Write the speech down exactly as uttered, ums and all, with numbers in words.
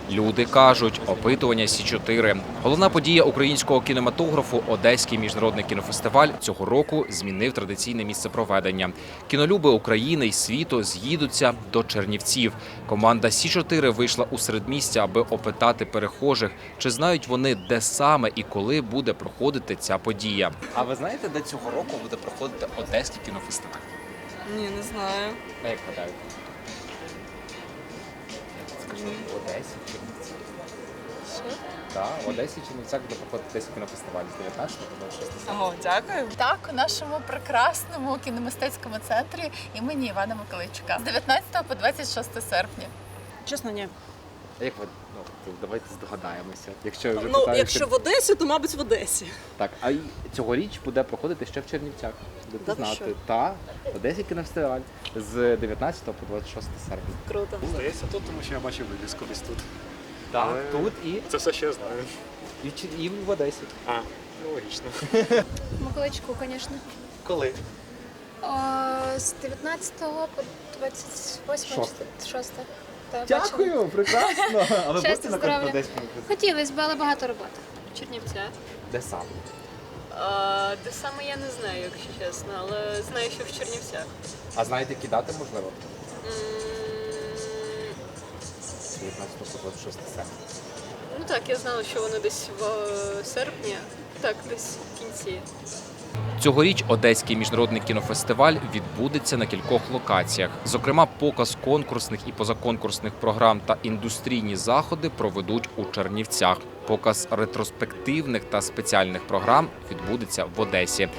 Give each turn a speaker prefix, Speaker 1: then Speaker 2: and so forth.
Speaker 1: Люди кажуть, опитування Сі чотири. Головна подія українського кінематографу Одеський міжнародний кінофестиваль цього року змінив традиційне місце проведення. Кінолюби України й світу з'їдуться до Чернівців. Команда Сі чотири вийшла у середмістя, аби опитати перехожих, чи знають вони, де саме і коли буде проходити ця подія. А ви знаєте, де цього року буде проходити Одеський кінофестиваль?
Speaker 2: Ні, не знаю.
Speaker 1: А як гадаєте? Скажи, в Одесі чи Чернівцях?
Speaker 2: Що?
Speaker 1: Так, в Одесі чи Чернівцях буде проходити Одеський кінофестиваль з дев'ятнадцятого по двадцять шосте серпня.
Speaker 2: Ого, дякую.
Speaker 3: Так, у нашому прекрасному кіномистецькому центрі імені Івана Миколайчука з дев'ятнадцятого по двадцять шосте серпня.
Speaker 2: Чесно, ні.
Speaker 1: А як ви, ну, то давайте здогадаємося. Якщо вже
Speaker 2: Ну,
Speaker 1: питають,
Speaker 2: якщо в Одесі, то, мабуть, в Одесі.
Speaker 1: Так, а й цьогоріч буде проходити ще в Чернівцях. Будете
Speaker 2: Да ви
Speaker 1: знати.
Speaker 2: що?
Speaker 1: Та, Одеський кінофестиваль з дев'ятнадцятого по двадцять шосте серпня.
Speaker 2: Круто.
Speaker 4: Здається, тут, тому що я бачив вивіску десь тут.
Speaker 1: Так,
Speaker 4: Але-
Speaker 1: тут і,
Speaker 4: Це все ще я знаю.
Speaker 1: і, в Чер- і в Одесі.
Speaker 4: А, ну логічно.
Speaker 5: Миколайчуку, звісно.
Speaker 4: Коли?
Speaker 5: З дев'ятнадцятого по двадцять восьме
Speaker 1: Шосте.
Speaker 5: чи шосте. Та, бачила.
Speaker 1: Дякую, прекрасно. А ви
Speaker 5: Щастя,
Speaker 1: будете на
Speaker 5: здоров'я.
Speaker 1: Одеському фестивалі?
Speaker 5: Хотілося б, але багато роботи. Чернівця.
Speaker 1: Де саме?
Speaker 6: А, де саме я не знаю, якщо чесно, але знаю, що в Чернівцях.
Speaker 1: А знаєте, які дати можливо?
Speaker 6: М,
Speaker 1: З дев'ятнадцятого по двадцять шосте серпня.
Speaker 6: Ну так, я знала, що воно десь в е, серпні, так, десь в кінці.
Speaker 1: Цьогоріч Одеський міжнародний кінофестиваль відбудеться на кількох локаціях. Зокрема, показ конкурсних і позаконкурсних програм та індустрійні заходи проведуть у Чернівцях. Показ ретроспективних та спеціальних програм відбудеться в Одесі.